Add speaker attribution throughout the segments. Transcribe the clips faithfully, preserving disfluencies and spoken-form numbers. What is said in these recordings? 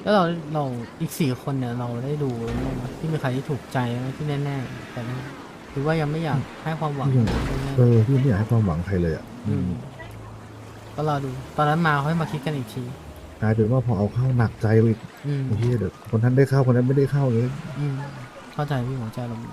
Speaker 1: แล้วเราเราอีกสี่คนเนี่ยเราได้ดูบ้างไหมที่มีใครที่ถูกใจไหมที่แน่ๆแต่ไม่หรือว่ายังไม่อยากให้ความหวัง
Speaker 2: พี่ยัง
Speaker 1: แน่
Speaker 2: เออพี่ไม่อยากให้ความหวังใครเลยอ่ะ
Speaker 1: ๆ
Speaker 2: อืม
Speaker 1: อืมก็รอดูตอนนั้นมาค่อยมาคิดกันอีกที
Speaker 2: กลายเป็นว่าพอเอาเข้าหนักใจไปอีก
Speaker 1: อืม
Speaker 2: ไอ้เหี้ยเดี๋ยวคนนั้นได้เข้าคนนั้นไม่ได้เข้าเลย
Speaker 1: อืมเข้าใจพี่หัวใจเรา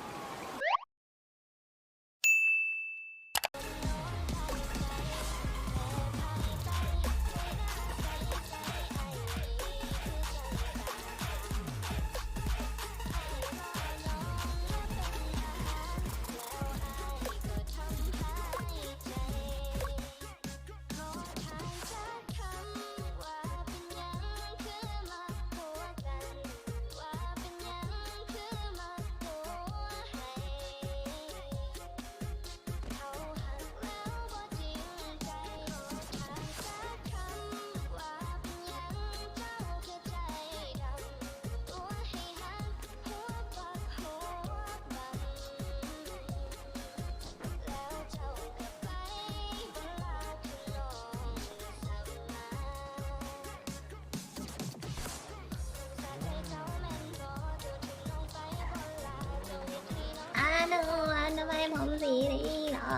Speaker 3: อาหนูอันทำไมผมสีนี้เหรอ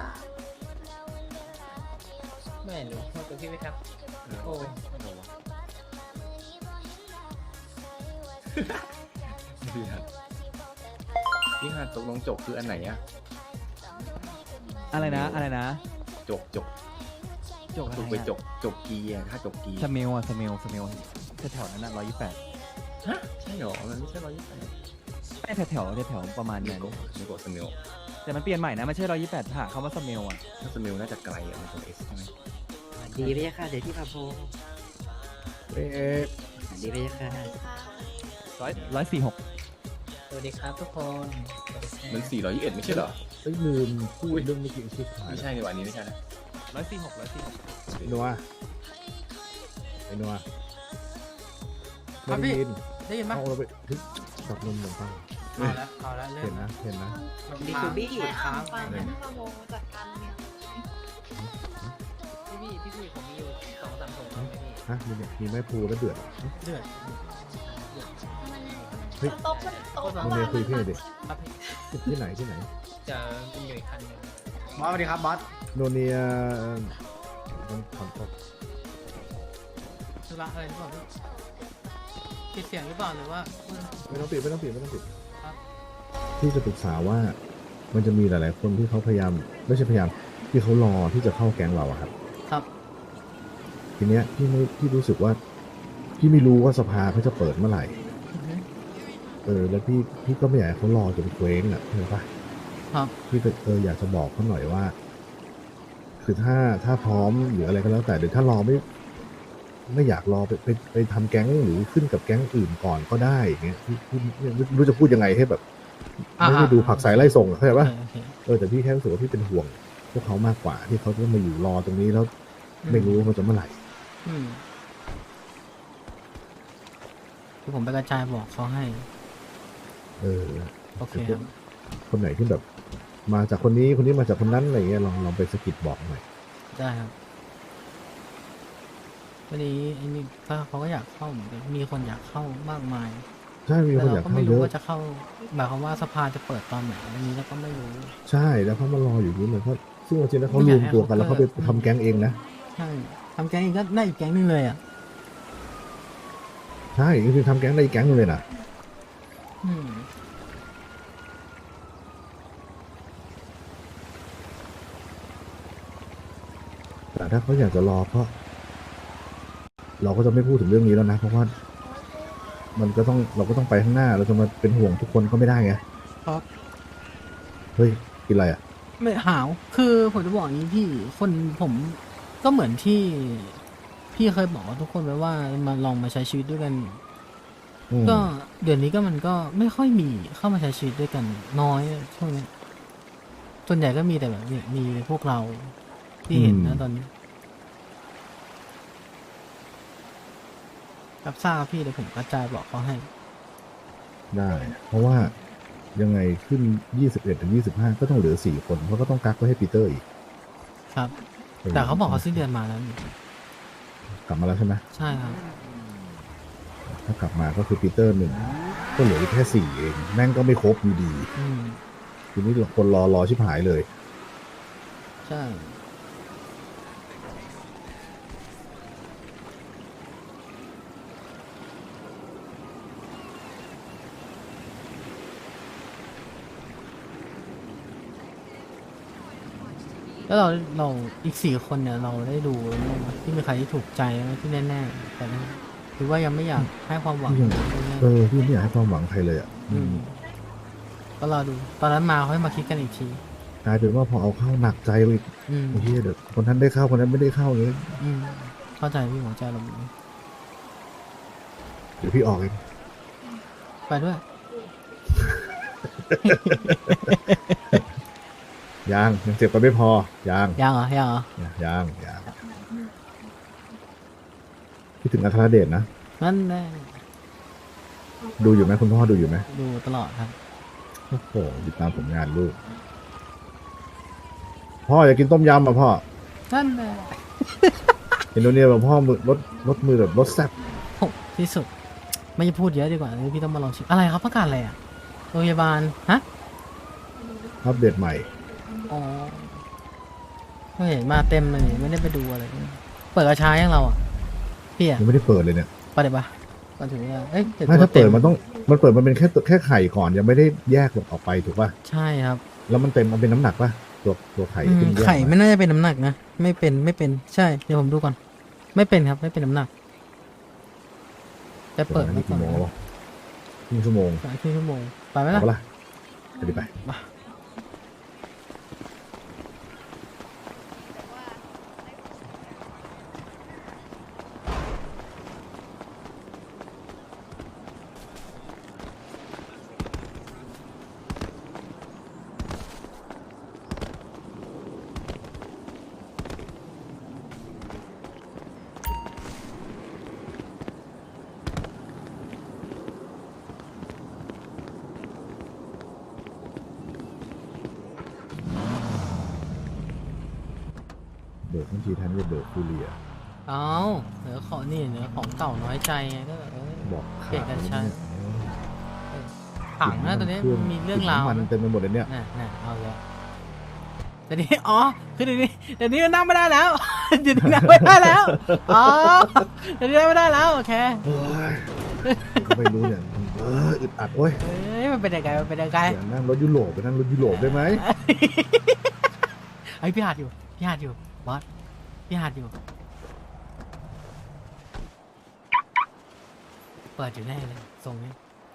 Speaker 4: ไม่รู้โทษตัวพี่ไหมครับโอ้ยพี่ฮัทพี่ฮัทตกลงจบคืออันไหนอะ
Speaker 5: อะไรนะอะไรนะ
Speaker 4: จบจบ
Speaker 5: จก
Speaker 4: จบไปจบจบกีอะถ้าจบกี
Speaker 5: สเมลอะสเมลสเมลแถวๆนั้นน่ะร้อยยี่แปด
Speaker 4: ฮะใช่เหรอมันไม่ใช่ร้อยยี่สิบแปด
Speaker 5: ไม่แถวแถวแถวๆประมาณ
Speaker 4: นิ
Speaker 5: นั้น
Speaker 4: โกะนิโกะสมิล
Speaker 5: แต่มันเปลี่ยนใหม่นะไม่ใช่ร้อยยี่แปดหาคำว่าสเมลอะ
Speaker 4: ถ้าสมิลน่าจะไกลอะมันตัวเอสใช่ไหม
Speaker 6: ดีไปยะค่ะเดี๋ยวพี่พาโพ
Speaker 2: เอ๊ะ
Speaker 6: ดีไปยะค่ะ
Speaker 5: ร้อยร้อยสี่หก
Speaker 4: สวัสดีครับทุกคนมันสี่ร้อยยี่สิบเอ็ดไม่ใช่เหรอ
Speaker 2: เอ้ยลืมพูดเรื่องเมื่อกี้ชิบหาย
Speaker 4: ไม่ใช่ในวันนี้ไม่ใช่นะ
Speaker 5: ร้อยสี่หกร้อยสี่หก
Speaker 2: ไอ้นัวไอ้นัว
Speaker 1: ครับ
Speaker 2: ไม่
Speaker 1: พี่
Speaker 2: ได้ยิน
Speaker 1: ได้ยินไหม
Speaker 2: เอาเราไปเฮ้ยจับนมหนึ่งปัง
Speaker 1: เอาละเอาละเริ่
Speaker 2: เห็
Speaker 1: ม
Speaker 2: นนะเห็นนะ
Speaker 6: ดีทูบี้
Speaker 1: ค้าง
Speaker 3: ฟังนะพะโมจัดการเมีย
Speaker 4: พี่พี่พี่พี่ผมมีอยู่สองสามถุงพี่
Speaker 2: ฮะมีเนี่ยมีไม้พูแล้วเดือด
Speaker 1: เดือด
Speaker 2: เฮ้ย
Speaker 3: โต๊ะโต๊ะ
Speaker 2: โมเดลคุยพี่หน่อยดิ
Speaker 1: ครับพี่
Speaker 2: ที่ไหนที่ไหน
Speaker 4: จะมีอยู่อีกคันหนึง
Speaker 1: บอสสวัสดีครับบอส
Speaker 2: โนเนียต้องขอโทษ
Speaker 1: ธุระอะไรหรือเปล่าพี่ปิดเสียงหรือเปล่าหรือว่า
Speaker 2: ไม่ต้องปิดไม่ต้องปิดไม่ต้องปิด
Speaker 1: ครับ
Speaker 2: ที่จะปรึกษาว่ามันจะมีหลาย ๆ คนที่เขาพยายามไม่ใช่พยายามที่เขารอที่จะเข้าแก๊งเราอะครับ
Speaker 1: ครับ
Speaker 2: ทีเนี้ยพี่ไม่พี่รู้สึกว่าพี่ไม่รู้ว่าสภาเขาจะเปิดเมื่อไหร่
Speaker 1: อือฮึ
Speaker 2: เออแล้วพี่พี่ก็ไม่อยากให้เขารอจนเคว้งอ่ะเห็นปะ
Speaker 1: ครับ
Speaker 2: พี่ก็เอออยากจะบอกเขาหน่อยว่า คือถ้าถ้าพร้อมหรืออะไรก็แล้วแต่เดี๋ยวถ้ารอไม่ ไม่อยากรอไปไปไปทำแก๊งหรือขึ้นกับแก๊งอื่นก่อนก็ได้อย่างเงี้ยพี่พี่ไม่รู้จะพูดยังไงให้แบบ
Speaker 1: อ่า
Speaker 2: ไม่ได้ดูผักสายไล่ส่งอะเข้าใจ
Speaker 1: โอ
Speaker 2: ปะ
Speaker 1: เคโอเค
Speaker 2: เออแต่พี่แค่รู้สึกว่าพี่เป็นห่วงพวกเขามากกว่าที่เขาจะมาอยู่รอตรงนี้แล้วไม่รู้ว่ามันจะเมื่อไหร่
Speaker 1: อืมคือผมไปกระจายบอกเขาให้
Speaker 2: เออ
Speaker 1: โอเคครับ
Speaker 2: คนไหนที่แบบ มาจากคนนี้คนนี้มาจากคนนั้นอะไรเงี้ยลองลองไปสะกิดบอกหน่อย
Speaker 1: ได้ครับวันนี้ไอ้นี่ถ้าเขาก็อยากเข้าเหมือนกันมีคนอยากเข้ามากมาย
Speaker 2: ใช่มี
Speaker 1: แต่
Speaker 2: คนอ
Speaker 1: เรา
Speaker 2: ยาก
Speaker 1: ก็
Speaker 2: เข้า
Speaker 1: ไม่
Speaker 2: เย
Speaker 1: รู้
Speaker 2: อะ
Speaker 1: ว่าจะเข้าหมายความว่าสภาจะเปิดตอนไหนอันนี้เราก็ไม่รู้
Speaker 2: ใช่แล้วเขามารออยู่นี่เลยเพราะซึ่งจริงๆแล้วเขารวมตัวกันแล้วเขาไปทำแก๊งเองนะ
Speaker 1: ใช่ทำแก๊งอีกก็ได้อีกแก๊งหนึงเลยอ่ะ
Speaker 2: ใช่จริงๆทำแก๊งได้อีกแก๊งหนึงเลยนะ
Speaker 1: อืม
Speaker 2: แต่ถ้าเขาอยากจะรอก็ เราก็จะไม่พูดถึงเรื่องนี้แล้วนะเพราะว่า มันก็ต้องเราก็ต้องไปข้างหน้าเราจะมาเป็นห่วงทุกคนก็ไม่ได้ไง
Speaker 1: ครับ
Speaker 2: เฮ้ยกินอะไรอ่ะ
Speaker 1: ไม่หาว คือผมจะบอกอย่างนี้พี่คนผมก็เหมือนที่พี่เคยบอกกับทุกคนไว้ว่ามาลองมาใช้ชีวิตด้วยกัน
Speaker 2: อืม
Speaker 1: ก็เดี๋ยวนี้ก็มันก็ไม่ค่อยมีเข้ามาใช้ชีวิตด้วยกันน้อยช่วงนี้ส่วนใหญ่ก็มีแต่แบบเนี่ยมีพวกเราที่เห็นนะตอนนี้รับทราบครับพี่เดี๋ยวผมกระจายบอกเขาให้
Speaker 2: ได้ เพราะว่ายังไงขึ้นยี่สิบเอ็ดถึงยี่สิบห้าก็ต้องเหลือสี่คนเพราะก็ต้องกักไว้ให้ปีเตอร์อีก
Speaker 1: ครับ แต่เขาบอกเขาสิ้นเดือนมาแล้วนี่
Speaker 2: กลับมาแล้วใช่ไหม
Speaker 1: ใช่ครับ
Speaker 2: โอเคถ้ากลับมาก็คือปีเตอร์หนึ่งก็เหลืออีกแค่สี่เองแม่งก็ไม่ครบอยู่ดี
Speaker 1: อืม
Speaker 2: ทีนี้คนรอรอชิบหายเลย
Speaker 1: ใช่แล้วเราเราอีกสี่คนเนี่ยเราได้ดูแล้วมั้งวะที่มีใครที่ถูกใจไหมที่แน่ๆแต่นั้นหรือว่ายังไม่อยากให้ความหวัง
Speaker 2: ยัง
Speaker 1: แน่
Speaker 2: เออพี่ไม่อยากให้ความหวังใครเลยอ่ะ
Speaker 1: ๆอืมก็รอดู ตอนนั้นมาค่อยมาคิดกันอีกที
Speaker 2: กลายเป็นว่าพอเอาเข้าหนักใจไปอีก
Speaker 1: อืม
Speaker 2: ไอ้เฮียเดี๋ยวคนนั้นได้เข้าคนนั้นไม่ได้เข้าเลย
Speaker 1: อืมเข้าใจพี่หัวใจเราแบบนี้
Speaker 2: เดี๋ยวพี่ออกเอง
Speaker 1: ไปด้วย
Speaker 2: ยังยังเจ็บกันไม่พอยัง
Speaker 1: ยังเหรอยังเหรอ
Speaker 2: ยังยังคิดถึงอัครเดชนะ
Speaker 1: นั่นแน่
Speaker 2: ดูอยู่ไหมคุณพ่อดูอยู่ไหม
Speaker 1: ดูตลอดครับ
Speaker 2: โอ้โหติดตามผลงานลูกพ่ออยากกินต้มยำอ่ะพ่อ
Speaker 1: นั่นแน่
Speaker 2: เห็นโดเนี่ยแบบพ่อมือรถรถมือแบบรถแซ่บ
Speaker 1: โหที่สุด ไม่พูดเยอะดีกว่าพี่ต้องมาลองชิมอะไรครับประกาศอะไรอ่ะโรงพยาบาลฮะ
Speaker 2: อัปเดตใหม่
Speaker 1: อ๋อไม่เห็นมาเต็มเลยนี่ไม่ได้ไปดูอะไรเลยเปิดกระชายยังเราอ่ะพี่อ่ะ
Speaker 2: ยังไม่ได้เปิดเลยเนี่ย
Speaker 1: ไปเดี๋ยวปะก่อนถึงเนี่ยเอ้ยดี๋ยว
Speaker 2: ไม่ถ้า
Speaker 1: ตัว
Speaker 2: เปิด
Speaker 1: ต็
Speaker 2: มันต้องมันเปิดมันเป็นแค่ตัวแค่ไข่ก่อนยังไม่ได้แยกออกไปถูกป่ะ
Speaker 1: ใช่ครับ
Speaker 2: แล้วมันเต็มมันเป็นน้ำหนักป่ะตัวตัวไข่
Speaker 1: อืม
Speaker 2: ที่นแยก
Speaker 1: ไข่
Speaker 2: มา
Speaker 1: ไม่น่าจะเป็นน้ำหนักนะไม่เป็นไม่เป็นใช่เดี๋ยวผมดูก่อน ไม่เป็นครับไม่เป็นน้ำหนัก แต่เปิด
Speaker 2: อัน
Speaker 1: ไว้
Speaker 2: นี้
Speaker 1: ก่อ
Speaker 2: กี่
Speaker 1: น
Speaker 2: โมงแล้วครึ่งชั่วโมง
Speaker 1: สายครึ่งชั่วโมงไปไหม
Speaker 2: เอา
Speaker 1: ล่ะ
Speaker 2: ปะล่ะไปดิไป
Speaker 1: มา
Speaker 2: เบิกทั้งทีแทนที่จะเบิกฟูเรีย
Speaker 1: เอาเหนือของนี่เหนือของเก่าน้อยใจไงก็แบบเออ
Speaker 2: บอก
Speaker 1: เปลี่ยนกันใช้
Speaker 2: เออ
Speaker 1: ถังนะตอนนี้มันมีเรื่องราว
Speaker 2: มัน
Speaker 1: นะ
Speaker 2: เต็มไปหมดเลยเนี่ย
Speaker 1: น่ะน่ะเอาเลยเดี๋ยวนี้อ๋อคือเดี๋ยวนี้เดี๋ยวนี้นั่งไม่ได้แล้ว เดี๋ยวนี้นั่งไม่ได้แล้วอ๋อเดี๋ยวนี้นั่งไม่ได้แล้วโอเค
Speaker 2: เฮ้ยก็ไม่รู้เนี่ยเอออึดอัดโอ้ย
Speaker 1: เอ้ยมันเป็นยังไงมันเป็นยังไง
Speaker 2: อยากนั่งรถยุโรปไปนั่งรถยุโรปได้ไหม
Speaker 1: ไอ้ยพี่หาดอยู่พี่หาดอยู่บอสพี่หาดอยู่เปิดอยู่แน่เลยทรงนี้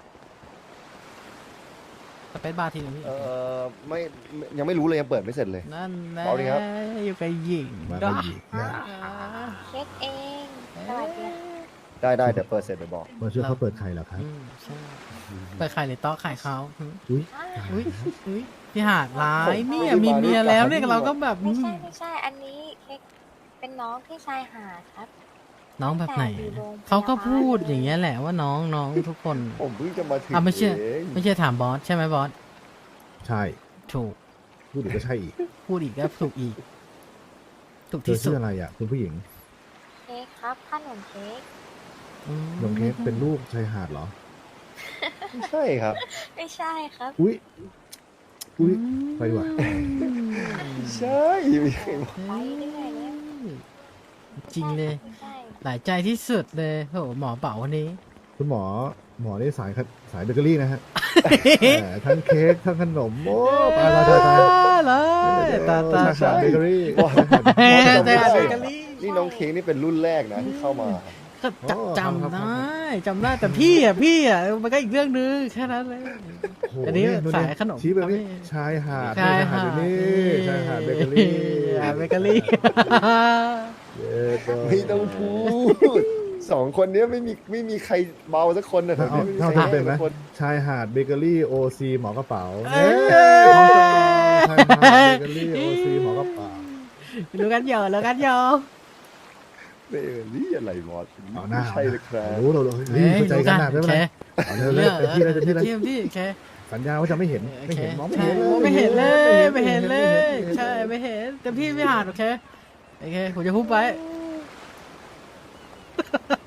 Speaker 1: สเปซบาร์ทีนึงพี่
Speaker 7: เออไม่ไม่ยังไม่รู้เลยยังเปิดไม่เสร็จเลย
Speaker 1: นั่นแน่
Speaker 7: เอาดิครับ
Speaker 1: อยู่กับหญิง
Speaker 2: มา
Speaker 1: ด้
Speaker 2: ก็
Speaker 1: วย
Speaker 2: หยิกเนี่ย
Speaker 3: เช็คเองสวัสดีค่ะ
Speaker 7: ได้ได้เดี๋ยวเปิดเสร็จไปบอก
Speaker 2: มาช่วยเขาเปิดไข่เหรอครับ
Speaker 1: อืมใช่เปิดไข่หรือต๊อกไข่เขาอืม
Speaker 2: อุ้ย
Speaker 1: อุ้ยอุ้ยพี่หาดร้ายเนี่ยมีเมียแล้วเนี่ยเราก็แบบ
Speaker 3: ไม่ใช่ไม่ใช่ อันนี้เค้กเป็นน้องที่ชายหาดครับ
Speaker 1: น้องแบบไหน
Speaker 3: แต่อยู่โรงพยาบาล
Speaker 1: เขาก็พูดอย่างเงี้ยแหละว่าน้องน้องทุกคน
Speaker 7: ผมเพิ่งจะมาถึง
Speaker 1: อ่ะไม่เชื่อ
Speaker 7: เอง
Speaker 1: ไม่ใช่ถามบอสใช่ไหมบอส
Speaker 2: ใช่
Speaker 1: ถูก
Speaker 2: พูดอีกก็ใช่อีก
Speaker 1: พูดอีกก็ถูกอีก ถูก
Speaker 2: เธอ
Speaker 1: ที่สุ
Speaker 2: ชื่
Speaker 1: ด
Speaker 2: ออะไรอ่ะคุณผู้หญิง
Speaker 3: เค้กครับขนมเค้ก
Speaker 1: อืม
Speaker 2: น้องเค้กเป็นลูกชายหาดเหรอ
Speaker 7: ไม่ใช่ครับ
Speaker 3: ไม่ใช่ครับ
Speaker 2: อุ้ยอุ้ยไปดีกว่า
Speaker 7: ใช่ไม่ใช่
Speaker 3: ไปเรื่อยเลย
Speaker 1: จริงเลย
Speaker 3: ไม่ใช่
Speaker 1: หลายใจที่สุดเลยโหหมอเป๋าวันนี้
Speaker 2: คุณหมอหมอนี่สายขสายเบเกอรี่นะฮะ แหมทั้งเค้กทั้งขนมโอ้ตายตายตายตาย
Speaker 1: เลยตาตา
Speaker 2: ชายหาดเบเกอรี่
Speaker 7: ว้าว
Speaker 1: เฮ้ย
Speaker 7: จำ
Speaker 1: แต่
Speaker 7: ได้
Speaker 1: เบเกอรี่
Speaker 7: นี่น้องเค้กนี่เป็นรุ่นแรกนะที่เข้ามา
Speaker 1: ก็จำจำได้จำได้แต่พี่อ่ะพี่อ่ะมันก็อีกเรื่องนึงแค่นั้นเลย
Speaker 2: โอ้โห
Speaker 1: อันนี้
Speaker 2: ดู
Speaker 1: สายขนม
Speaker 2: ชี้แบบนี้
Speaker 1: ทำให้
Speaker 2: ชายหาด
Speaker 1: ชายหาด
Speaker 2: อยู่นี่ชายหาดเบเกอรี่
Speaker 1: อ่าเบเกอรี่
Speaker 2: เย้ก็
Speaker 7: ไม่ต้องพูดสองคนเนี้ยไม่มีไม่มีใครเบาสักคนนะ
Speaker 2: เอา
Speaker 7: ไม่มี
Speaker 2: เท่า
Speaker 7: ใคร
Speaker 2: ที่เป็นไหม
Speaker 7: สักคน
Speaker 2: ชายหาดเบเกอรี่โอซีหมอกระเป๋า
Speaker 1: เอ้ย
Speaker 2: ชายหาดเบเกอรี่โอซีหมอกระเป๋า
Speaker 1: รู้กันเยอะรู้กันเยอะ
Speaker 7: เบเกอรี่อะไรบอส
Speaker 2: เอาหน้า
Speaker 7: ไม่ใช่เลยครับ
Speaker 2: รู้เราเลยเฮ้ยเข้าใจกันหนักได้ไหมเอาเลยเลยเต็มที่เลยเต็มที่เลย
Speaker 1: เทียมที่โอเค
Speaker 2: สัญญาว่าจะไม่เห็นไม่เห็นมองไม่เห็นเลย
Speaker 1: ไม่เห็นเลยไม่เห็นเลย ใช่ไม่เห็นเต็มที่ไม่หาดโอเคโอเคผมจะพูดไป